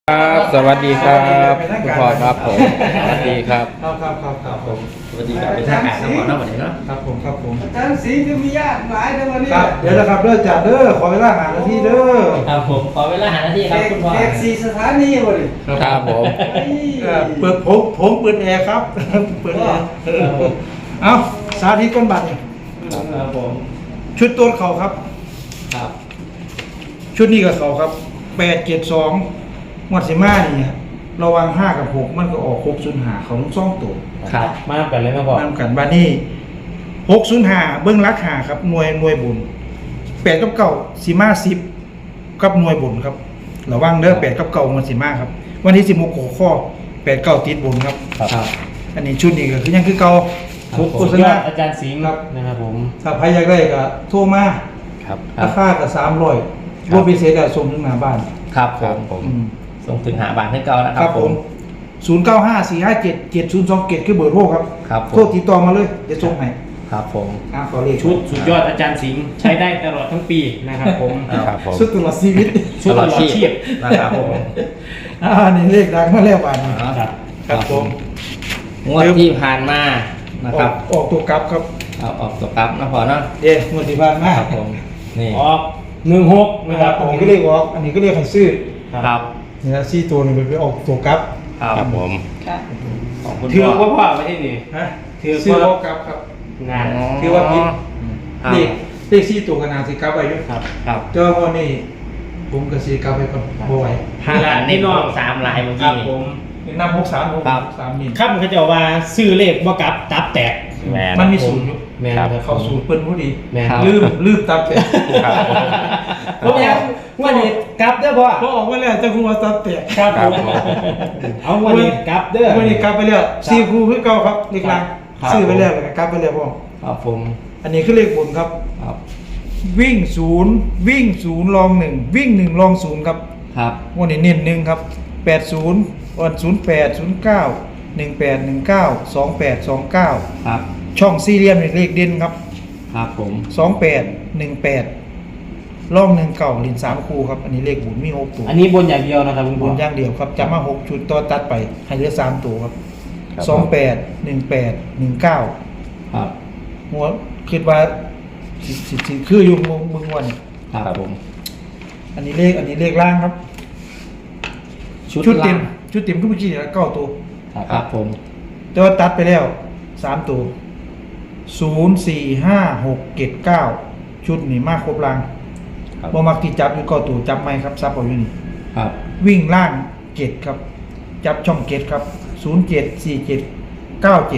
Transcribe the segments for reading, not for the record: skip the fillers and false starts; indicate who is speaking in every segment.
Speaker 1: ครับสวัสดีครับคุณพ่อครับผมสวัสดีครับ
Speaker 2: ครับผม
Speaker 1: สวัสดีครับเป็นทางการน้ำหมอน้ำหมอนี้เนาะ
Speaker 2: ครับผม
Speaker 3: อาจารย์สิงห์จะมีญาติหลายในวันนี้
Speaker 2: ครับเดี๋ยวนะครับเด้อจ่าเด้อขอเวลาหานาทีเด้อ
Speaker 4: ครับผมขอเวลาหานาทีครับคุณพ่อ
Speaker 3: แขกสี่สถานีวะดิ
Speaker 1: ครับผม
Speaker 2: เปิดผมเปิดแอร์ครับเปิดแอร์เอาสาธิตก้นบัตรนี่
Speaker 4: ครับผม
Speaker 2: ชุดตัวเขาครับ
Speaker 4: ครับ
Speaker 2: ชุดนี้กับเขาครับ872งวดสิมานี่ระวัง5กับ6มันก็ออก605เขาทั้งสองตัว
Speaker 4: ครับมากันเลยครับพ่อ
Speaker 2: นำกันบ้านนี้605เบิ้งรักหาครับหน่วยบุญ8กับ9สิมา10กับหน่วยบุญครับระวังเด้อ8กับ9มันสิมาครับวันที่16หัวข้อ8 9ติดบุญครับ
Speaker 4: ครับ
Speaker 2: อันนี้ชุดนี้ก็คือยังคือเก่า
Speaker 4: ทุก
Speaker 2: โฆ
Speaker 4: สุด
Speaker 2: ษ
Speaker 4: ยอ
Speaker 2: ณา
Speaker 4: ดอาจารย์สิงห์นะครับผม
Speaker 2: ถ้าใครอยากได้ก็โทรมา
Speaker 1: ครับ
Speaker 2: ราคาก็300รวมพิเศษได้ส่งถึงหน้าบ้าน
Speaker 4: ครับ
Speaker 1: ครับผม
Speaker 4: ส่งถึงหาบานให้เก่านะค
Speaker 2: ค
Speaker 4: รั
Speaker 2: รั
Speaker 4: บบ ผ
Speaker 2: ผม ม0954577027คือเบอร์โทรครับ
Speaker 4: ครับผม
Speaker 2: โทรติดต่อมาเลยเดี๋ยวส่งให้
Speaker 4: ครับผม
Speaker 2: ขอเลข
Speaker 5: ชุดสุดยอดอาจารย์สิงห์ใช้ได้ตลอดทั้งปีนะครับผม
Speaker 1: ครับผม
Speaker 2: สุดตลอดชีวิต
Speaker 5: ชุดตลอดชีพ
Speaker 4: นะครับผม
Speaker 2: นี่เลขดังมาแล้ววันนี้
Speaker 5: ครับ
Speaker 2: ครับผม
Speaker 4: งวดที่ผ่านมานะครับ
Speaker 2: ออกตัวกลับครับ
Speaker 4: เอาออกตัวกลับนะพ่อเนาะ
Speaker 2: งวดที่ผ่านมา
Speaker 4: ครับผมนี่
Speaker 5: ออก16นะ
Speaker 2: นะ
Speaker 5: ค
Speaker 2: ค
Speaker 5: รั
Speaker 2: รั
Speaker 5: บบ
Speaker 2: อันนี้ก็เรียกออกอันนี้ก็เรียกให้ซื้อ
Speaker 4: ครับ
Speaker 2: นี่นะซี่ตัวหนึงไปออกตัวกลับ
Speaker 1: ครับผม
Speaker 4: ของคุณ
Speaker 5: ถือ
Speaker 4: พ่อ
Speaker 5: ว่าพ่อไม่ใช่นี่
Speaker 2: ฮะ
Speaker 5: ถือ
Speaker 2: ซื้อ
Speaker 5: ว่า
Speaker 2: ออกกลับครับ
Speaker 5: งาน
Speaker 2: ถือว่าผิด
Speaker 4: ครับ
Speaker 2: เลขซี่ตัวกันนาสิกลับไปด้วย
Speaker 5: ครับ
Speaker 4: ครับ
Speaker 2: เจอวันนี้ผมก็สีกลับไปก่อนบ่ไหว
Speaker 5: หาหลานนี่น้อง
Speaker 4: 3ลายเมื่อ
Speaker 5: ครั
Speaker 4: กี้
Speaker 5: บผม
Speaker 2: เป็นน้ำ63นี่
Speaker 5: ครับเขาจะว่าซื้อเลขบ่กลับตับแตก
Speaker 1: แมน
Speaker 2: มันมีศูนย์อยู่
Speaker 5: แม่น
Speaker 1: ครับ
Speaker 5: ครับ
Speaker 2: เข้าศูนย์เปิ้นพอดี
Speaker 5: แม่น
Speaker 2: ลืมตับแตก
Speaker 1: ครับ
Speaker 5: ผมอยากวันนี้กลับเด้อพ่อ
Speaker 2: พอออกมาแล้วจะคูว่าตับแตก
Speaker 5: ครับ
Speaker 1: ครับ
Speaker 5: ผม
Speaker 1: ผม
Speaker 5: เอาวันนี้กลับเด้อ
Speaker 2: วันนี้กลับไปแล้วซีคูคือเก่าครับเลขหลัง
Speaker 4: ครับ
Speaker 2: ซื้อไปแล้วแล้วก็กลับไปแล้วพ่อ
Speaker 4: ครับผม
Speaker 2: อันนี้คือเลขบนครับ
Speaker 4: ครับ
Speaker 2: วิ่ง0ลอง1วิ่ง1ลอง0ครับ
Speaker 4: ครับ
Speaker 2: วันนี้เน้น1ครับ80วัน08 09 18 19 28 29
Speaker 4: ครับ
Speaker 2: ช่องสี่เหลี่ยมนี่เลขเด่นครับ
Speaker 4: ครับผม
Speaker 2: 28 18ลอง1เก่าลิน3คู่ครับอันนี้เลขบุญมี6ตัว
Speaker 5: อันนี้บนอย่างเดียวนะครับคุณ
Speaker 2: บุ
Speaker 5: พ่อ
Speaker 2: ญอย่างเดียวครับจำมา6ชุดต่อตัดไปให้เหลือ3ตัวครับ
Speaker 1: ครับ
Speaker 2: 28 18 19
Speaker 4: ครับ
Speaker 2: หัวคิดว่าสิคืออยู่มึงวัน
Speaker 4: ครับผม
Speaker 2: อันนี้เลขล่างครับ ชุดเต็มก็เมื่อกี้เนี่ย9ตัว
Speaker 4: ครับผม
Speaker 2: แต่ว่าตัดไปแล้ว3ตัว0 4 5 6 7 9ชุดนี่มากครบล่าง
Speaker 1: ครับ
Speaker 2: บ่มักที่จับอยู่9ตัวจับไหมครับซับเอาอยู่นี่
Speaker 4: ครับ
Speaker 2: วิ่งล่าง7ครับ จับช่อง7ครับ0 7 4 7 9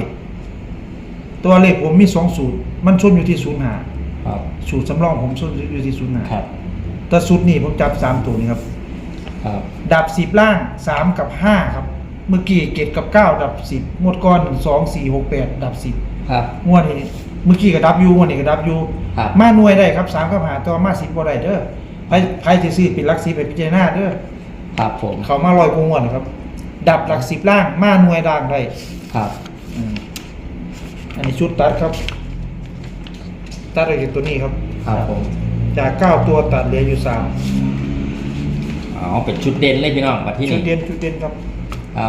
Speaker 2: 7ตัวเลขผมมี2สูตรมันชนอยู่ที่0 5
Speaker 4: ครับ
Speaker 2: สูตรสำรองผมชนอยู่ที่0 5
Speaker 4: ครับ
Speaker 2: แต่สูตรนี้ผมจับ3ตัวนี้ครับ
Speaker 4: ครับ
Speaker 2: ดับ10ล่าง3กับ5ครับเมื่อกี้7กับ9ดับ10งวดก่อน2 4 6 8ดับ10
Speaker 4: ครับ
Speaker 2: งวดนี้เมื่อกี้ก็ดับอยู่งวดนี้ก็ดับอยู่
Speaker 4: ครับ
Speaker 2: มาหน่วยได้ครับ3กับ5แต่ว่ามา10บ่ได้เด้อไผสิซื้อเป็นหลัก10ไปพิจารณาเด้อ
Speaker 4: ครับผม
Speaker 2: เขามา100กว่างวดนะครับ ดับหลัก10ล่างมาหน่วยด่างได้
Speaker 4: ครับ
Speaker 2: อันนี้ชุดตัดครับ ตัดได้จากตัวนี้ครับ
Speaker 4: ครับผม
Speaker 2: จาก9ตัวตัดเหลืออยู่3
Speaker 4: อ๋อเป็นชุดเด่นเลยพี่น้องมาที่
Speaker 2: ชุ
Speaker 4: นี่
Speaker 2: ดเด่นครับ
Speaker 4: ครับ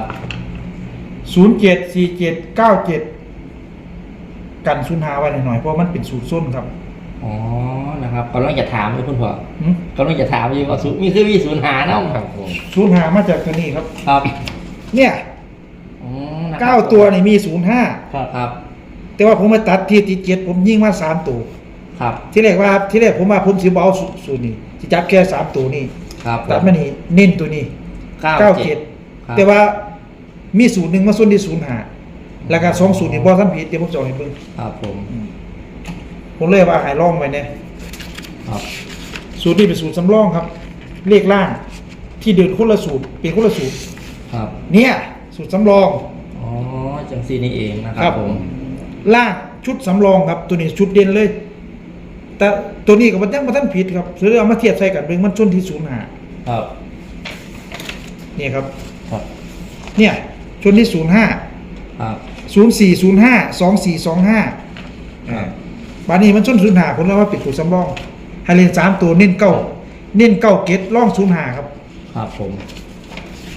Speaker 2: 074797กัน0 5ไว้หน่อยๆเพราะมันเป็นสูตรส้นครับ
Speaker 4: อ๋อนะครับกำลังจะถามเลยคุณพ่อ
Speaker 2: หึ
Speaker 4: กำลังจะถามอยู่ว่าศูนย์มีคือมีศูนย์หาเนาะ
Speaker 1: ครับผม
Speaker 2: 0 5มาจากตัวนี้ครับ
Speaker 4: ครับ
Speaker 2: เนี่ย
Speaker 4: อ๋อนะครับ
Speaker 2: 9ตัวนี่มี0
Speaker 4: ครับ ครับ
Speaker 2: 5แต่ว่าผมมาตัดที่ติด7ผมยิงมา3ตัว
Speaker 4: ครับ
Speaker 2: ที่แรกผมว่าผมสิบ่เอาสูตรนี้สิจับแค่3ตัวนี้
Speaker 4: ครับ
Speaker 2: ตัดมานี่เน้นตัวนี้
Speaker 4: 97
Speaker 2: แต่ว่ามีสูตรหนึ่งมาส่วนที่05แล้วก็2สูตรนี่บ่ทันผิดเดี๋ยวผมจะเอาให้เบิ่ง
Speaker 4: ครับผม
Speaker 2: ผมเลยว่าให้ลองไว้เนี่ย
Speaker 4: ครับ
Speaker 2: สูตรนี้เป็นสูตรสำรองครับ เลขล่างที่เดินคนละสูตรเป็นคนละสูตร
Speaker 4: ครับ
Speaker 2: เนี่ยสูตรสำรอง
Speaker 4: อ๋อจังซีนี่เองนะครับผม
Speaker 2: ล่างชุดสำรองครับ ตัวนี้ชุดเด่นเลย แต่ตัวนี้กับมันยังมาท่านผิดครับซื้อเอามาเทียบใส่กันเบิ่งมันชนที่05
Speaker 4: ครับ
Speaker 2: นี่ครับ
Speaker 4: ครับ
Speaker 2: เนี่ยชนที่05
Speaker 4: ครับ
Speaker 2: 0405 2425บานี้มันชน05ผมเลยว่าปิดตัวสำรองให้เล่น3ตัวเน้นเก้าเกตล่อง05ครับ
Speaker 4: ครับผม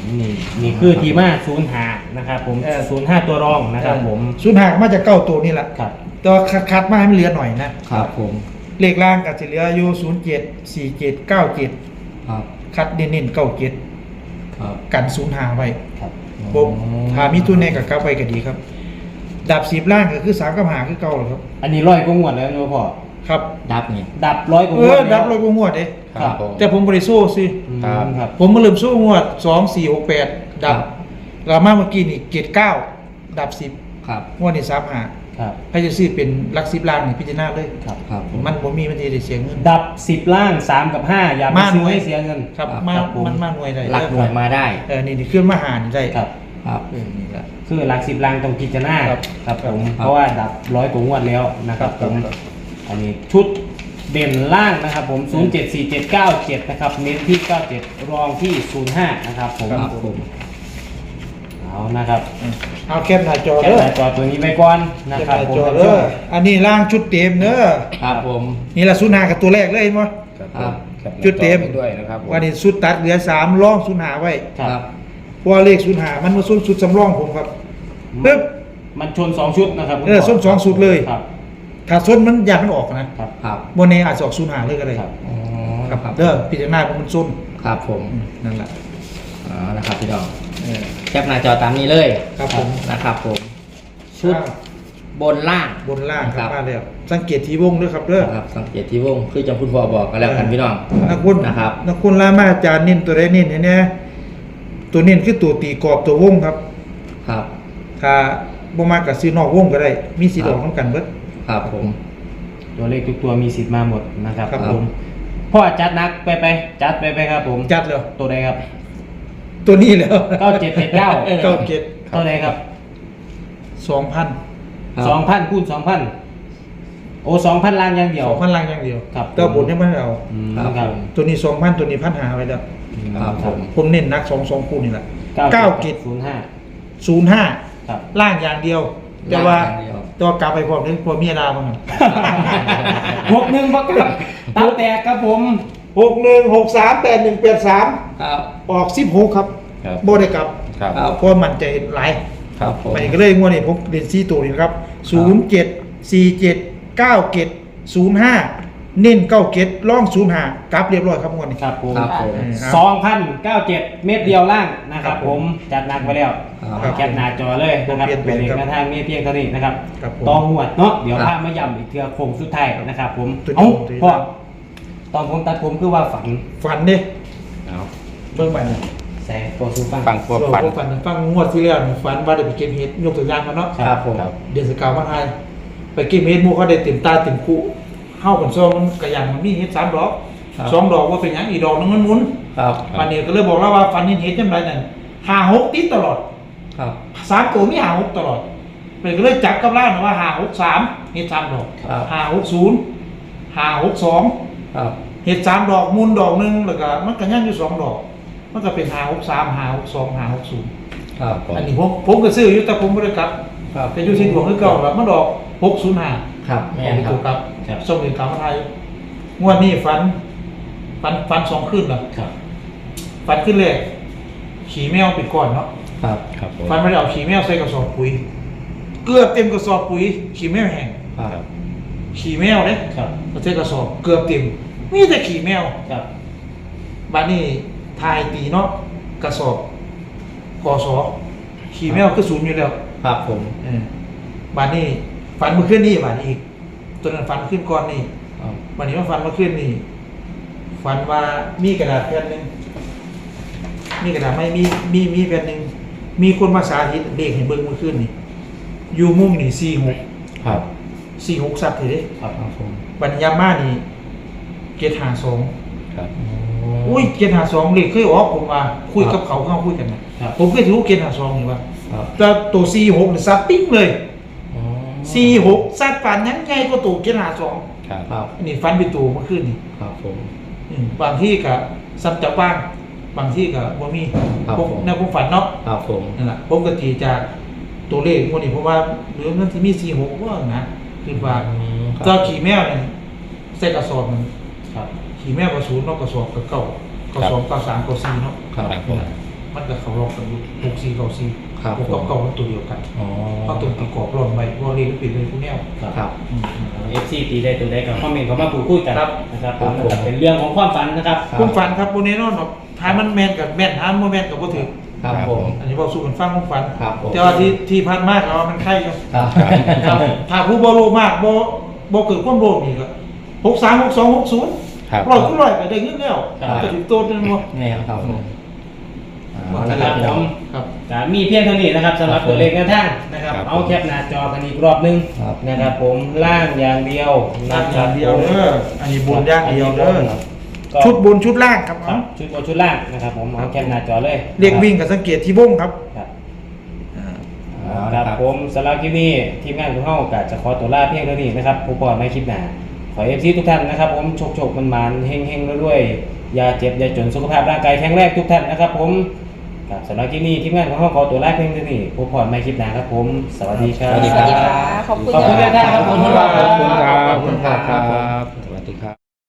Speaker 5: นี่คือทีมา05นะครับผม05ตัวรองนะครับผม
Speaker 2: ศูนย์หามาจากเก้าตัวนี่แหละ
Speaker 5: ครับ
Speaker 2: แต่ว่าคัดมาให้มันเหลือหน่อยนะครับ
Speaker 4: ผม
Speaker 2: เลขล่างก็จะเหลืออยู่07 47 97
Speaker 4: ครับ
Speaker 2: คัดเน้นๆ97
Speaker 4: ครับ
Speaker 2: กันศูนย์หาไว้
Speaker 5: ครับ
Speaker 2: ผมถ้ามีตัวแน่กับกลับไว้ก็ดีครับดับ10ล่างก็คือ3กับ5คือเก่าแหละครับ
Speaker 5: อันนี้100กว่างวดแล้วเนาะพ่อ
Speaker 2: ครับ
Speaker 4: ดับนี่
Speaker 5: ดับ100กว่างวดแล้ว
Speaker 2: ดับเลยบ่งวดเด้
Speaker 5: ครับ
Speaker 1: ผม
Speaker 2: แต่ผมบ่ได้โซ่ซิ
Speaker 1: ครับ
Speaker 5: ครับ
Speaker 2: ผมมาเริ่มสู้งวด2 4 6 8ดับรามาเมื่อกี้นี่เกต9ดับ10
Speaker 4: ครับ
Speaker 2: งวดนี้3 5
Speaker 5: ครับ
Speaker 2: ให้จะซื้อเป็นหลัก10ล้านนี่พิจารณาเลย
Speaker 5: ครับ
Speaker 4: ครับผม
Speaker 2: มันบ่มีมันสิได้เสียเงิน
Speaker 5: ดับ10ล่าง3กับ5อย่าไป
Speaker 2: มาหน่
Speaker 5: ซื้อ
Speaker 2: วย
Speaker 5: ให้เสียเงิน
Speaker 2: ครับ
Speaker 4: ครับ
Speaker 2: มา
Speaker 5: ครับผม
Speaker 2: มันมาหน่วยได้
Speaker 4: หลักหน่วยมาได้
Speaker 2: นี่ขึ้นมาหารได้
Speaker 5: ครับ
Speaker 4: ครับ
Speaker 2: นี่แหละ
Speaker 5: คือหลัก10ล่างต้องพิจารณา
Speaker 2: ครับ
Speaker 5: ครับผม
Speaker 4: ครับ
Speaker 5: เพราะว่าดับ100กว่างวดแล้วนะครับผม
Speaker 2: ครับ
Speaker 5: อันนี้ชุดเด่นล่างนะครับผม074797นะครับเน้นที่97รองที่05นะครับผม
Speaker 4: ครับผม
Speaker 5: เอานะครับ
Speaker 2: เอาแคปหน้าจอ
Speaker 5: แค่
Speaker 2: เด้อ
Speaker 5: หน้าจอตัวนี้ไปก่อนนะ
Speaker 2: แคป
Speaker 5: ครั
Speaker 2: ห
Speaker 5: บ
Speaker 2: น้า
Speaker 5: ผม
Speaker 2: จอเด้ออันนี้ล่างชุดเต็มเด้อ
Speaker 4: ครับผม
Speaker 2: นี่ละ05กับตัวแรกเลยเห็นบ่
Speaker 4: ครับ
Speaker 2: จุดเต็ม
Speaker 1: ด้วยนะครับผม
Speaker 2: วันนี้สุดตัดเหลือ3รอง05ไว้
Speaker 4: ครับ
Speaker 2: เพราะว่าเลข05มันมาสุดสำรองผมครับปึ๊บ
Speaker 5: มันชน2ชุดนะครับ
Speaker 2: ส้น2สุดเลย
Speaker 5: ครับ
Speaker 2: ถ้าส้นมันอยากมันออกนะครับ
Speaker 4: ครับ
Speaker 2: บนนี้อาจจะออก05เลยก็ได้
Speaker 5: ครับ
Speaker 4: อ๋อ
Speaker 2: ครับเด้อพิจารณาเพราะมันส้น
Speaker 4: ครับผม
Speaker 2: นั่นแหละ
Speaker 4: อ๋อนะครับพี่น้อง
Speaker 2: เออ
Speaker 4: แคปหน้าจอตามนี้เลย
Speaker 2: ครับผม
Speaker 4: นะครับผม ชุดบนล่าง
Speaker 2: บนล่างค
Speaker 4: ครั
Speaker 2: รับบ มาแล้วสังเกตที่วงด้วยครับเด้อ
Speaker 4: นะครับสังเกตที่วงคือจังคุณพ่อบอกกันแล้วกันพี่น้อง
Speaker 2: นักคุณ
Speaker 4: นะครับ
Speaker 2: นักคุณลามาอาจารย์เน้นตัวใดเน้นให้แน่ตัวเน้นคือตัวตีกรอบตัววงครับ
Speaker 4: ครับ
Speaker 2: ถ้าบ่มากก็ซื้อนอกวงก็ได้ มีสิทธิ์ออกนํกันเบิด
Speaker 4: ครับผม
Speaker 5: ตัวเลขทุกตัวมีสิทธิ์มาหมดนะครับ
Speaker 2: ครับ
Speaker 5: ผมพ่อจัดนักไปจัดไปครับผม
Speaker 2: จัดแล้ว
Speaker 5: ตัวใดครับ
Speaker 2: ตัวนี้แล้ว
Speaker 5: 9779
Speaker 2: เก้าเก็ด
Speaker 5: ตัวใดครับ
Speaker 2: 2,000
Speaker 4: ครับ
Speaker 5: 2,000คูณ2,000โอ้2,000ล้านอย่างเดียว
Speaker 2: 2,000ล่างอย่างเดียว
Speaker 5: ครับ
Speaker 2: แต่บนให้มันเอา
Speaker 5: อืม
Speaker 4: ครับ
Speaker 5: ครับ
Speaker 2: ตัวนี้ 2,000ตัวนี้1,500ไว้แล้ว
Speaker 4: ครับผม
Speaker 2: ผมเน้นนัก2คู่นี่แหละ
Speaker 5: 9
Speaker 2: เก็ด
Speaker 5: 05
Speaker 2: 05
Speaker 5: ครับ
Speaker 2: ล่างอย่างเดียว แต่ว่า
Speaker 4: ล่างอย่างเดียว
Speaker 2: ตัวกลับไปพร้อมนึงพอเมียดาบ้างครับ
Speaker 5: 61ประกับตาแตกครับผม
Speaker 2: 61638183
Speaker 4: ครับ
Speaker 2: ออก16ครับ
Speaker 1: ครับ
Speaker 2: บ่ได้กลับ
Speaker 1: ครับ
Speaker 4: ครับ
Speaker 2: เพราะมันใจหลาย
Speaker 4: ครับผม
Speaker 2: มันก็เลยงวดนี้ผมเรียน4ตัวนี่นะครับ07479705เน้น97ล่อง05กลับเรียบร้อยครับงวดนี้
Speaker 5: ครับผม
Speaker 4: ครับผม
Speaker 5: 2,097 เม็ดเดียวล่างนะครับผมจัดหนักไปแล้ว
Speaker 2: ครับ
Speaker 5: แคปหน้าจอเลยนะครับ
Speaker 2: เปลี่ยนแปลง
Speaker 5: ตัวเลข
Speaker 2: ครับ
Speaker 5: หน้าทางมีเพียงเท่านี้นะครับ
Speaker 2: ครับผม
Speaker 5: ต้องหวดเนาะเดี๋ยว
Speaker 4: ครับ
Speaker 5: พามาย้ำอีกเทือโค้งสุดท้ายนะครับผม
Speaker 2: ตัวนี้
Speaker 5: เอ้า
Speaker 2: ตัวนี้
Speaker 5: พ่อตอนผมตัดผมคือว่าฝัน
Speaker 2: ฝันเด้
Speaker 1: เอา
Speaker 2: เบิ่งไปนี่
Speaker 5: แสงตัวสูฟัง
Speaker 1: ฟังพวกฝัน
Speaker 2: ฝันฟังงวดที่แล้วนี่ฝันว่าได้ไปเก็บเห็ดยกตัวอย่างกันเนาะ
Speaker 4: ครับผม
Speaker 1: ครับ
Speaker 2: เดือนสกาวมาไทยไปเก็บเห็ดหมู่เขาได้เต็มตาเต็มคู่เฮากันซ้อมมันกระยังมันมีเห็ด3ดอก
Speaker 4: ครับ
Speaker 2: 2ดอกว่าเป็นหยังอีกดอกนึงมันหมุน
Speaker 4: ครับ
Speaker 2: วันนี้ก็เลยบอกแล้วว่าฝันเห็นเห็ดจังไดนั่น5-6ติดตลอด
Speaker 4: ครับ
Speaker 2: 3ตัวมี5-6ตลอดเป็นก็เลยจับกับล่างว่า5-6-3เห็ด3ดอก
Speaker 4: ครับ
Speaker 2: 5-6-0 5-6-2
Speaker 4: ครับ
Speaker 2: เห็ด3ดอกหมุนดอกนึงแล้วก็มันก็ยังอยู่2ดอกมันก็เป็น5-6-3 5-6-2 5-6-0
Speaker 4: ครับผม
Speaker 2: อันนี้ผมก็ซื้ออยู่แต่ผมบ่ได้กลับ
Speaker 4: ครับ
Speaker 2: แต่อยู่ที่ดวงคือเก่าแล้วมันดอก605
Speaker 4: ครับแม่นครั
Speaker 2: ถู
Speaker 4: บ
Speaker 2: กครับ
Speaker 5: ครับ
Speaker 2: ส่งถึงกลับมาไทยงวดนี้ฝัน2คืนแล้ว
Speaker 5: ครับ
Speaker 2: ฝันขึ้นเลยขี่แมวปิดก่อนเนาะ
Speaker 4: ครับ
Speaker 1: ครับผม
Speaker 2: ฝันไม่ได้เอาขี่แมวใส่กระสอบปุ๋ยเกือบเต็มกระสอบปุ๋ยขี่แมวแห้ง
Speaker 4: ครับ
Speaker 2: ขี่แมวเนี่ย
Speaker 5: ครับ
Speaker 2: ใส่กระสอบเกือบเต็มมีแต่ขี่แมว
Speaker 5: ครับ
Speaker 2: บ้านนี้ทายตีเนาะกระสอบกอสอขี่แมวก็ศูนย์อยู่แล้ว
Speaker 4: ครับผม
Speaker 2: บ้านนี้ฝันเมื่อคืนนี้บ้านนี้อีกตัวนั้นฝันขึ้นก่อนนี่
Speaker 4: ครับ
Speaker 2: วันนี้มาฝันเมื่อคืนนี่ฝันว่ามีกระดาษแผ่นหนึ่งมีกระดาษไม่มีแผ่นหนึ่งมีคนมาสาธิตเด็กเห็นเบิ้งเมื่อคืนนี่อยู่มุ่งนี่
Speaker 4: ครับ
Speaker 2: 46สัตว์เลยเด้
Speaker 4: ครับครับผม
Speaker 2: ปัญญามานี่เกตหาสอง
Speaker 1: ครับ
Speaker 2: อุ้ยเกตหาสองเลขเคยออกผมมาคุยกับเขาเข้าคุยกันนะครับ ผมเคยถือเกตหาสองนี่ว่า
Speaker 4: ครับ
Speaker 2: แต่ตัว46นี่ซัดปิ้งเลย
Speaker 4: อ๋อ
Speaker 2: 46ซัดฝันยังไงก็ตัวเกตหาสอง
Speaker 1: ครับ
Speaker 4: ครับ
Speaker 2: อันนี้ฝันเป็นตัวเมื่อคืนนี่
Speaker 4: ครับผม
Speaker 2: บางที่กับซ้ำจับบ้างบางที่กับบ่มี
Speaker 4: ครับ
Speaker 2: พวก
Speaker 4: ผม
Speaker 2: แนวผมฝันเนาะ
Speaker 4: ครับผม
Speaker 2: นั่นแหละผมก็ตีจากตัวเลขพวกนี้เพราะว่าเหลือมันที่มี46ว่านะคือว่า
Speaker 4: ครับ
Speaker 2: ตัวขี่แมวเนี่ยใส่กระสอบมัน
Speaker 5: ครับ
Speaker 2: ขี่แมวกระสุนเนาะกระสอบกระเก่ากระสอบกระสามกระสี่เนาะ
Speaker 4: ครับผม
Speaker 2: กมันก็เขาลองกันอยู่64 94
Speaker 4: ครับ
Speaker 2: 6กับเก่ามันตัวเดียวกัน
Speaker 4: อ๋อ
Speaker 2: เพราะตัวประกอบรวมไปรวมเรียนปิดเลยทุกแนว
Speaker 4: ครับ
Speaker 5: FC ตีได้ตัวใดกับคอมเมนต์เข้ามาพูดคุยกัน
Speaker 2: ครับ
Speaker 5: นะครับผม
Speaker 4: ครับผม
Speaker 5: เป็นเรื่องของความฝันนะครับ
Speaker 2: ผมฝันครับโบเนนอนหรอกท้ายมันแมนกับแมนท้ายมันแมนกับบ่ถึง
Speaker 4: ครับผม
Speaker 2: อันนี้บอกสู้กันฟังผมฝัน
Speaker 4: ครับผม
Speaker 2: แต่ว่าที่พันมากแล้วมันไข่อยู่
Speaker 4: ครับ
Speaker 2: ครับถ้าผู้บ่โลมากบ่เกิดความโลภนี่ก็63 62 60
Speaker 1: ครับ
Speaker 2: ร้อยคุณร้อยก็ได้เงินแล้ว
Speaker 5: ครับ
Speaker 2: ก็ถึงโตนั่นบ่
Speaker 4: นี่ครับผม
Speaker 5: นะครับผม
Speaker 2: ครับ
Speaker 5: จะมีเพียงเท่านี้นะครับสำหรับตัวเลขแนวทางนะครับ
Speaker 1: ครับ
Speaker 5: เอาแคปหน้าจอกันอีกรอบนึง
Speaker 4: ครับ
Speaker 5: นะครับผมล่างอย่างเดียว
Speaker 2: นั่
Speaker 5: นะ
Speaker 2: น
Speaker 5: ค
Speaker 2: อ
Speaker 5: รั
Speaker 2: ย่า
Speaker 5: บ
Speaker 2: งเดียวเด้ออันนี้บุญอย่างเดียวเด้อ
Speaker 5: ก็
Speaker 2: ชุดบุญชุดล่างครับ
Speaker 5: ครับชุดบนชุดล่างนะครับผมเอาแคปหน้าจอเลย
Speaker 2: เรียกวิ่งกับสังเกตที่วงครับ
Speaker 5: ครับ
Speaker 4: อ๋อ
Speaker 5: ครับผมสำหรับคลิปนี้ทีมงานของเฮาก็จะขอตัวลาเพียงเท่านี้นะครับผู้ปอดไม่คลิปหน้าขอเอฟซีทุกท่านนะครับผมโชคมันๆเฮงๆด้วยๆอย่าเจ็บอย่าจนสุขภาพร่างกายแข็งแรงทุกท่านนะครับผมครับสำหรับคลิปนี้ทีมงานของเฮาขอตัวลาเพียงเท่านี้ผู้ปอดไม่คลิปหน้าครับผมสวัสดีครับ
Speaker 4: สวัสดี
Speaker 6: สวัสดีค่ะขอบคุณ
Speaker 5: ขอบคุณ
Speaker 6: ค่ะ
Speaker 5: ท่านครับขอบคุณครับ
Speaker 1: ขอบคุณครับขอบคุณครับ